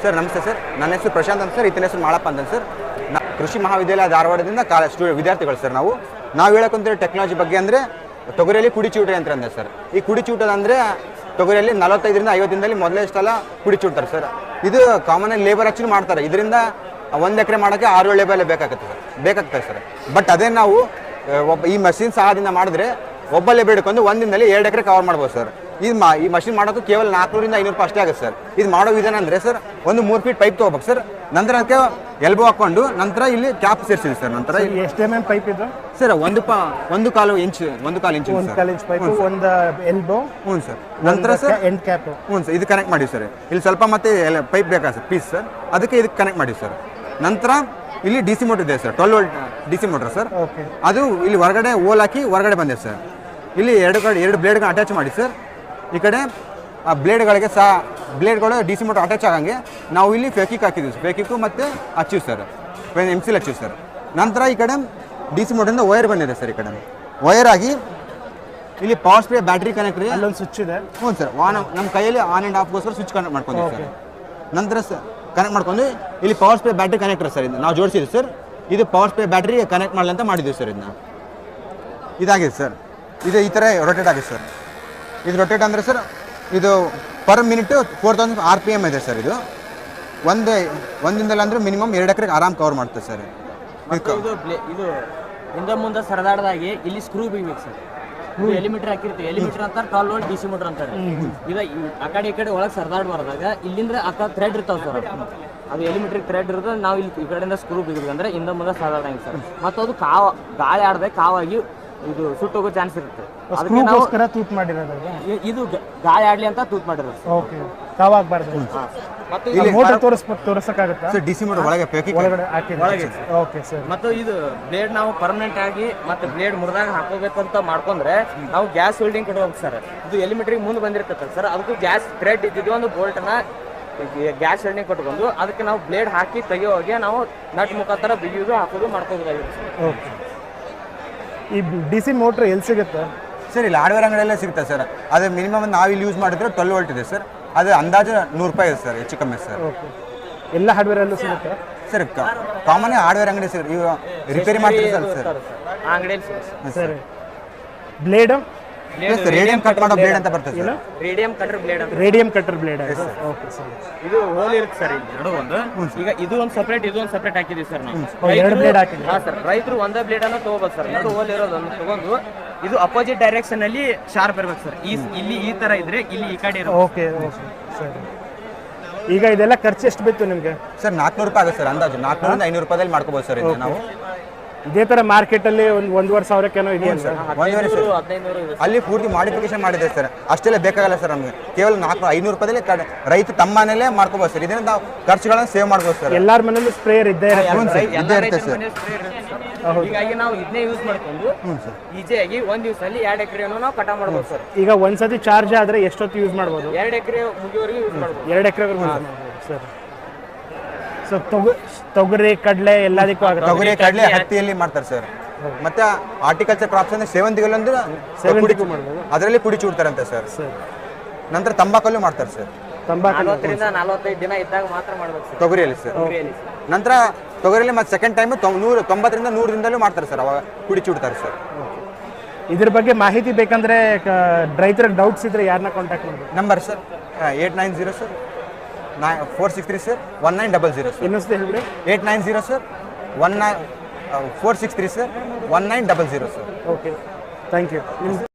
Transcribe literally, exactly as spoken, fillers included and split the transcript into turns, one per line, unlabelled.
Sir ನಮಸ್ತೆ sir, ನನ್ನ ಹೆಸರು ಪ್ರಶಾಂತ್ ಅಂತ ಸರ್, ಈತನ ಹೆಸರು ಮಾಳಪ್ಪ ಅಂತ ಸರ್. ನಾ ಕೃಷಿ ಮಹಾವಿದ್ಯಾಲಯ ಧಾರವಾಡದಿಂದ ಕಾಲ ಸ್ಟೂ ವಿದ್ಯಾರ್ಥಿಗಳು ಸರ್. ನಾವು ನಾವು ಹೇಳಕ್ಕಂತೀವಿ ಟೆಕ್ನಾಲಜಿ ಬಗ್ಗೆ ಅಂದರೆ ತೊಗರಿಯಲ್ಲಿ ಕುಡಿ ಚೂಟ ಯಂತ್ರ ಅಂದೆ ಸರ್. ಈ ಕುಡಿ ಚೂಟದ ಅಂದರೆ ತೊಗರಿಯಲ್ಲಿ ನಲವತ್ತೈದರಿಂದ ಐವತ್ತು ದಿನದಲ್ಲಿ ಮೊದಲೇ ಇಷ್ಟೆಲ್ಲ ಕುಡಿ ಚೂಡ್ತಾರೆ ಸರ್. ಇದು ಕಾಮನಾಗಿ ಲೇಬರ್ ಹಚ್ಚಿ ಮಾಡ್ತಾರೆ. ಇದರಿಂದ ಒಂದು ಎಕರೆ ಮಾಡೋಕ್ಕೆ ಆರು ಏಳು ಲೇಬರ್ ಬೇಕಾಗುತ್ತೆ ಸರ್ ಬೇಕಾಗ್ತದೆ ಸರ್. ಬಟ್ ಅದೇ ನಾವು ಒಬ್ಬ ಈ ಮಷಿನ್ ಸಹಾಯದಿಂದ ಮಾಡಿದ್ರೆ ಒಬ್ಬ ಲೇಬರ್ ಹಿಡ್ಕೊಂಡು ಒಂದು ದಿನದಲ್ಲಿ ಎರಡು ಎಕರೆ ಕವರ್ ಮಾಡ್ಬೋದು ಸರ್. ಇದು ಮಾ ಈ ಮಷಿನ್ ಮಾಡೋದು ಕೇವಲ ನಾಲ್ಕುನೂರಿಂದ ಐನೂರು ರೂಪಾಯಿ ಅಷ್ಟೇ ಆಗುತ್ತೆ ಸರ್. ಇದು ಮಾಡೋ ವಿಧಾನ ಅಂದರೆ ಸರ್, ಒಂದು ಮೂರು ಫೀಟ್ ಪೈಪ್ ತೊಗೋಬೇಕು ಸರ್. ನಂತರ ಅದಕ್ಕೆ ಎಲ್ಬೋ ಹಾಕ್ಕೊಂಡು ನಂತರ ಇಲ್ಲಿ ಕ್ಯಾಪ್ ಸೇರಿಸಿದೆ ಸರ್. ನಂತರ
ಎಷ್ಟು ಎಮ್ ಎಮ್ ಪೈಪ್ ಇದು
ಸರ್? ಒಂದು ಪಾ ಒಂದು ಕಾಲು ಇಂಚ್ ಒಂದು ಕಾಲು ಇಂಚ್
ಒಂದು ಕಾಲು ಇಂಚ್ ಪೈಪ್, ಒಂದು ಎಲ್ಬೋ.
ಹ್ಞೂ ಸರ್. ನಂತರ ಸರ್
ಎಂಡ್ ಕ್ಯಾಪ್.
ಹ್ಞೂ ಸರ್, ಇದು ಕನೆಕ್ಟ್ ಮಾಡಿ ಸರ್. ಇಲ್ಲಿ ಸ್ವಲ್ಪ ಮತ್ತೆ ಪೈಪ್ ಬೇಕಾ ಸರ್ ಪೀಸ್ ಸರ್, ಅದಕ್ಕೆ ಇದಕ್ಕೆ ಕನೆಕ್ಟ್ ಮಾಡಿ ಸರ್. ನಂತರ ಇಲ್ಲಿ ಡಿ ಸಿ ಮೋಟರ್ ಇದೆ sir, twelve volt D C motor sir. ಅದು ಇಲ್ಲಿ ಹೊರಗಡೆ ಓಲ್ ಹಾಕಿ ಹೊರಗಡೆ ಬಂದಿದೆ ಸರ್. ಇಲ್ಲಿ ಎರಡು ಕಡೆ ಎರಡು ಬ್ಲೇಡ್ಗಳನ್ನ ಅಟ್ಯಾಚ್ ಮಾಡಿ ಸರ್. ಈ ಕಡೆ ಆ ಬ್ಲೇಡ್ಗಳಿಗೆ ಸಹ ಬ್ಲೇಡ್ಗಳು ಡಿ ಸಿ ಮೋಟರ್ ಅಟ್ಯಾಚ್ ಆಗಂಗೆ ನಾವು ಇಲ್ಲಿ ಫೇಕಿಕ್ ಹಾಕಿದ್ದೀವಿ ಸರ್. ಫೇಕಿಕ್ಕು ಮತ್ತು ಹಚ್ಚಿವಿ ಸರ್, ಎಮ್ ಸಿಲ್ ಹಚ್ಚಿವಿ ಸರ್. ನಂತರ ಈ ಕಡೆ ಡಿ ಸಿ ಮೋಟರಿಂದ ವೈರ್ ಬಂದಿದೆ ಸರ್. ಈ ಕಡೆ ವೈರ್ ಆಗಿ ಇಲ್ಲಿ ಪವರ್ ಸ್ಪ್ರೇ ಬ್ಯಾಟ್ರಿ ಕನೆಕ್ಟ್ ರೀ,
ಅಲ್ಲೊಂದು ಸ್ವಿಚ್ ಇದೆ.
ಹ್ಞೂ ಸರ್, ಆನ್ ನಮ್ಮ ಕೈಯಲ್ಲಿ ಆನ್ ಆ್ಯಂಡ್ ಆಫ್ಗೋಸ್ಕರ ಸ್ವಿಚ್ ಕನೆಕ್ಟ್ ಮಾಡ್ಕೊಂಡಿದ್ದೀವಿ ಸರ್. ನಂತರ ಸರ್ ಕನೆಕ್ಟ್ ಮಾಡ್ಕೊಂಡು ಇಲ್ಲಿ power spray battery connector sir, ಇದು ನಾವು ಜೋಡಿಸಿದ್ವಿ ಸರ್. ಇದು ಪವರ್ ಸ್ಪ್ರೇ ಬ್ಯಾಟ್ರಿ ಕನೆಕ್ಟ್ ಮಾಡಲಿ ಅಂತ ಮಾಡಿದ್ದೀವಿ ಸರ್. ಇದನ್ನ ಇದಾಗಿದೆ ಸರ್. ಇದು ಈ ಥರ ರೊಟೇಟ್ ಆಗಿದೆ ಸರ್. ಇದು ರೊಟೇಟ್ ಅಂದರೆ ಸರ್, ಇದು per minute four thousand R P M ಇದೆ ಸರ್. ಇದು ಒಂದು ಒಂದಿಂದಲ್ಲ ಅಂದರೆ ಮಿನಿಮಮ್ ಎರಡು ಎಕರೆಗೆ ಆರಾಮ್ ಕವರ್ ಮಾಡ್ತದೆ ಸರ್.
ಇದು ಇದು ಹಿಂದೆ ಮುಂದೆ ಸರದಾಡ್ದಾಗಿ ಇಲ್ಲಿ ಸ್ಕ್ರೂ ಬಿಗ್ಬೇಕು ಸರ್. ಎಲಿಮೀಟರ್ ಹಾಕಿರ್ತೀವಿ, ಎಲಿಮೀಟರ್ ಅಂತಾರೆ, twelve volt D C motor ಅಂತಾರೆ. ಇದು ಆ ಕಡೆ ಈ ಕಡೆ ಒಳಗೆ ಸರದಾಡ್ಬಾರ್ದಾಗ ಇಲ್ಲಿಂದ ಅಕ್ಕ ಥ್ರೆಡ್ ಇರ್ತಾವೆ ಸರ್. ಅದು ಎಲಿಮೀಟರ್ ಥ್ರೆಡ್ ಇರೋದು ನಾವು ಇಲ್ಲಿ ಈ ಕಡೆಯಿಂದ ಸ್ಕ್ರೂ ಬಿಗಿದ್ವಿ ಅಂದರೆ ಹಿಂದೆ ಮುಂದೆ ಸರದಾಡಂಗೆ ಸರ್. ಮತ್ತು ಅದು ಕಾವ ಗಾಳಿ ಆಡದೆ ಕಾವಾಗಿ ಇದು ಸುಟ್ಟೋಗೋ ಚಾನ್ಸ್ ಇರುತ್ತೆ. ಅದಕ್ಕೆ ನಾವು
ತೂತ್ ಮಾಡಿರೋದು
ಇದು ಗಾಳಿ ಆಡ್ಲಿ ಅಂತ ತೂತ್ ಮಾಡಿರೋದು.
ಓಕೆ, ಕಾವಾಗಬಾರ್ದು.
ಮತ್ತು
ಇಲ್ಲಿ ಮೋಟರ್ ತೋರಿಸ್ಬೇಕು, ತೋರಿಸಕ್ಕಾಗುತ್ತಾ
ಸರ್? ಡಿ ಸಿ ಮೋಟರ್ ಒಳಗೆ ಫೇಕಿಕ್
ಒಳಗಡೆ ಹಾಕಿದ್ದೀವಿ. Okay sir.
ಮತ್ತು ಇದು ಬ್ಲೇಡ್ ನಾವು ಪರ್ಮನೆಂಟ್ ಆಗಿ ಮತ್ತೆ ಬ್ಲೇಡ್ ಮುರಿದಾಗ ಹಾಕೋಬೇಕು ಅಂತ ಮಾಡ್ಕೊಂಡ್ರೆ ನಾವು ಗ್ಯಾಸ್ ವೆಲ್ಡಿಂಗ್ ಕೊಡ್ಬೇಕು ಸರ್. ಇದು ಎಲಿಮೀಟರ್ಗೆ ಮುಂದೆ ಬಂದಿರ್ತದೆ ಸರ್. ಅದಕ್ಕೂ ಗ್ಯಾಸ್ ಥ್ರೆಡ್ ಇದ್ದಿದ್ದು ಒಂದು ಬೋಲ್ಟನ್ನ ಗ್ಯಾಸ್ ವೆಲ್ಡಿಂಗ್ ಕೊಟ್ಕೊಂಡು ಅದಕ್ಕೆ ನಾವು ಬ್ಲೇಡ್ ಹಾಕಿ ತೆಗಿಯೋವಾಗೆ ನಾವು ನಟ್ ಮುಖಾಂತರ ಬಿಗಿಯೋದು ಹಾಕೋದು ಮಾಡ್ಕೋಬೇಕಾಗಿರುತ್ತೆ ಸರ್.
ಓಕೆ. ಈ ಡಿ ಸಿ ಮೋಟ್ರ್ ಎಲ್ಲಿ ಸಿಗುತ್ತೆ
ಸರ್? ಇಲ್ಲಿ ಹಾರ್ಡ್ವೇರ್ ಅಂಗಡಿಯಲ್ಲೇ ಸಿಗುತ್ತೆ ಸರ್. ಅದು ಮಿನಿಮಮ್ ನಾವು ಇಲ್ಲಿ ಯೂಸ್ ಮಾಡಿದ್ರೆ ಟ್ವೆಲ್ ವೋಲ್ಟ್ ಇದೆ ಸರ್. ಅದು ಅಂದಾಜು ನೂರು ರೂಪಾಯಿ ಇದೆ ಸರ್, ಹೆಚ್ಚು ಕಮ್ಮಿ ಸರ್.
ಓಕೆ. ಎಲ್ಲ ಹಾರ್ಡ್ವೇರಲ್ಲೂ ಸಿಗುತ್ತೆ
ಸರ್? ಕಾಮನ್ ಹಾರ್ಡ್ವೇರ್ ಅಂಗಡಿ ಸರ್, ಇವು ರಿಪೇರಿ ಮಾಡ್ತೀವಿ ಸರ್. ಸರ್
ಆ ಅಂಗಡಿಯಲ್ಲಿ
ಸರಿ. ಬ್ಲೇಡು
ರೇಡಿಯಂ ಕಟ್ ಮಾಡೋ ಬ್ಲೇಡ್ ಅಂತ ಬರ್ತದೆ ಸರ್.
ರೇಡಿಯಂ ಕಟರ್ ಬ್ಲೇಡ್ ಅಂತ.
Radium cutter blade. Okay sir.
ಇದು ಹೋಲ್ ಇರುತ್ತೆ ಸರ್. ಇಲ್ಲಿ ಎರಡು ಒಂದು ಈಗ ಇದು ಒಂದು ಸಪ್ರೇಟ್, ಇದು ಒಂದು ಸಪ್ರೇಟ್ ಹಾಕಿದ್ದೀವಿ ಸರ್ ನಾವು.
ಎರಡು ಬ್ಲೇಡ್ ಹಾಕಿದ್ದೀವಿ.
ಹಾಂ ಸರ್. ರೈತರು ಒಂದೇ ಬ್ಲೇಡ್ ಅನ್ನು ತಗೋಬೇಕು ಸರ್. ಎರಡು ಹೋಲ್ ಇರೋದನ್ನು ತಗೊಂಡು ಇದು ಅಪೋಸಿಟ್ ಡೈರೆಕ್ಷನ್ ಅಲ್ಲಿ ಶಾರ್ಪ್ ಇರ್ಬೇಕು ಸರ್. ಈ ಇಲ್ಲಿ ಈ ತರ ಇದ್ರೆ ಇಲ್ಲಿ ಈ ಕಡೆ ಇರೋದು.
ಓಕೆ ಓಕೆ ಸರಿ. ಈಗ ಇದೆಲ್ಲ ಖರ್ಚು ಎಷ್ಟು ಬಿತ್ತು ನಿಮಗೆ
ಸರ್? ನಾಲ್ಕುನೂರು ರೂಪಾಯಿ ಆಗುತ್ತೆ ಸರ್, ಅಂದಾಜು ನಾಲ್ಕುನೂರಿಂದ ಐನೂರು ರೂಪಾಯಿದಲ್ಲಿ ಮಾಡ್ಕೋಬೋದು ಸರ್. ಇದು ನಾವು
ಇದೇ ತರ ಮಾರ್ಕೆಟಲ್ಲಿ ಒಂದು ಒಂದೂವರೆ ಸಾವಿರಕ್ಕೇನೋ ಇದೆಯಲ್ಲ ಸರ್?
ಒಂದೂವರೆ ಸರ್, ಅಲ್ಲಿ ಪೂರ್ತಿ ಮಾಡಿಫಿಕೇಶನ್ ಮಾಡಿದೆ ಸರ್. ಅಷ್ಟೆಲ್ಲ ಬೇಕಾಗಲ್ಲ ಸರ್ ನಮಗೆ. ಕೇವಲ ನಾಲ್ಕು ಐನೂರು ರೂಪಾಯಿದಲ್ಲಿ ರೈತ ತಮ್ಮ ಮನೇಲೇ ಮಾಡ್ಕೋಬೋದು ಸರ್. ಇದರಿಂದ ನಾವು ಖರ್ಚುಗಳನ್ನು ಸೇವ್ ಮಾಡ್ಬೋದು ಸರ್.
ಎಲ್ಲಾರ ಮನೇಲೂ ಸ್ಪ್ರೇಯರ್ ಇದ್ದೇ
ಇದ್ದೇ ಇರುತ್ತೆ ಸರ್.
ಹೀಗಾಗಿ ನಾವು ಇದನ್ನೇ ಯೂಸ್ ಮಾಡ್ಕೊಂಡು ಈಜಿಯಾಗಿ ಒಂದ್ ದಿವಸದಲ್ಲಿ ಎರಡು ಎಕರೆಯನ್ನು ನಾವು ಕಟಾವ್ ಮಾಡ್ಬೋದು ಸರ್.
ಈಗ ಒಂದ್ಸತಿ ಚಾರ್ಜ್ ಆದ್ರೆ ಎಷ್ಟೊತ್ತು ಯೂಸ್ ಮಾಡ್ಬೋದು?
ಎರಡು ಎಕರೆ ಮುಗಿಯವರೆಗೂ ಯೂಸ್ ಮಾಡ್ಬೋದು.
ಎರಡು ಎಕರೆವರೆಗೂ ಸರ್. ಸೊ ತೊಗ ತೊಗರಿ ಕಡಲೆ ಎಲ್ಲದಕ್ಕೂ ಆಗುತ್ತೆ.
ತೊಗರಿ ಕಡಲೆ ಹತ್ತಿಯಲ್ಲಿ ಮಾಡ್ತಾರೆ ಸರ್. ಮತ್ತೆ ಹಾರ್ಟಿಕಲ್ಚರ್ ಕ್ರಾಪ್ಸ್ ಅಂದ್ರೆ ಸೇವಂತಿಗೆಲ್ಲಂದ್ರೆ ಅದರಲ್ಲಿ ಪುಡಿ ಚೂಡ್ತಾರಂತೆ ಸರ್. ನಂತರ ತಂಬಾಕಲ್ಲೂ ಮಾಡ್ತಾರೆ ಸರ್.
ತಂಬಾಕು
ನಲವತ್ತರಿಂದ ನಲವತ್ತೈದು ದಿನ ಇದ್ದಾಗ ಮಾತ್ರ ಮಾಡ್ಬೇಕು ಸರ್
ತೊಗರಿಯಲ್ಲಿ ಸರ್. ನಂತರ ತೊಗರಿಯಲ್ಲಿ ಮತ್ತೆ ಸೆಕೆಂಡ್ ಟೈಮ್ ನೂರು ತೊಂಬತ್ತರಿಂದ ನೂರು ದಿನದಲ್ಲೂ ಮಾಡ್ತಾರೆ ಸರ್. ಅವಾಗ ಪುಡಿ ಚೂಡ್ತಾರೆ ಸರ್.
ಇದ್ರ ಬಗ್ಗೆ ಮಾಹಿತಿ ಬೇಕಂದ್ರೆ ರೈತರಿಗೆ ಡೌಟ್ಸ್ ಇದ್ರೆ ಯಾರನ್ನ ಕಾಂಟ್ಯಾಕ್ಟ್ ಮಾಡಬೇಕು?
Number sir eight nine zero sir nine four six three sir one nine double zero sir.
ಇನ್ನೊಂದ್ಸತಿ ಹೇಳ್ಬಿಡಿ.
Eight nine zero sir one nine four six three sir one nine double zero sir.
Okay, thank you.